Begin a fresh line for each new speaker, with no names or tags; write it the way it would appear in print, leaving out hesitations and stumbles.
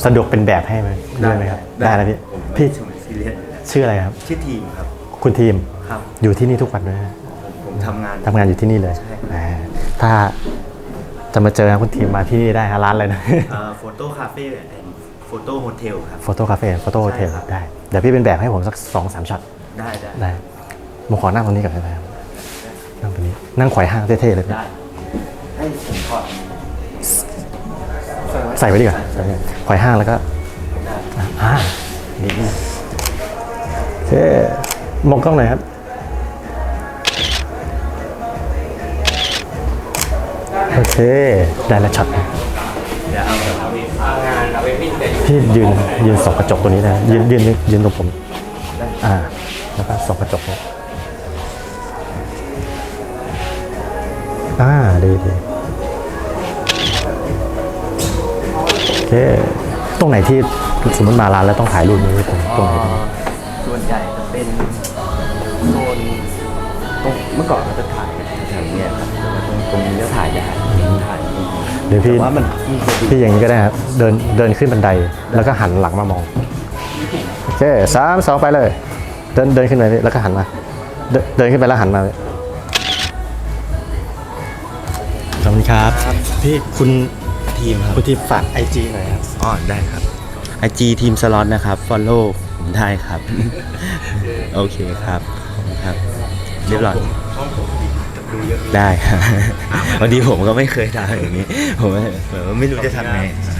สะดวกเป็นแบบให้ไหมได้ไหมครับได้แล้วพี่ชื่ออะไรครับ
ชื่อทีมครับ
คุณทีม
ครับ
อยู่ที่นี่ทุกวันไหม
ผมทำงาน
อยู่ที่นี่เลยถ้าจะมาเจอคุณทีมมาที่นี่ได้ร้านเลยนะ
โฟโต้คาเฟ่แอนด์โฟโต้โฮเทลครับ
โฟโต้คาเฟ่โฟโต้โฮเทลได้เดี๋ยวพี่เป็นแบบให้ผมสัก 2-3 ช็อตได้ผมขอนั่งตรงนี้ก่อนได้ไหมครับนั่งตรงนี้นั่งไขว่ห้างเท่ๆเลย
ได้ให้ผมถอด
ใส่ไว้ดีกว่าไขว่ห้างแล้วก็ดีโอเคมองกล้องหน่อยครับโอเคได้แล้วช็อตพี่ยืนส่องกระจกตัวนี้นะยืนตรงผมแล้วก็ส่องกระจกดีโอเคตรงไหนที่สมมติมาร้านแล้วต้องถ่ายรูปนี้ผมตรงไหน
ส่วนใหญ่จะเป็นโซนตรงเมื่อก่อนเราจะถ่ายแถวนี้ครับตรงนี้จะถ่ายได้
เดี๋ยวพี่อย่างนี้ก็ได้ครับเดินขึ้นบันไดแล้วก็หันหลังมามองโอเค3-2ไปเลยเดินขึ้นไปแล้วก็หันมาเดินขึ้นไปแล้วหันมาขอบคุณครับพี่คุณ
ทีมครับ
คุณทีมฝาก IG หน่อยครับ
ได้ครับ IG ทีมสล็อตนะครับ follow ผมได้ครับโอเคครับเรียบร้อยได้ครับวันนี้ผมก็ไม่เคยทำอย่างนี้ผมไม่รู้จะทำไง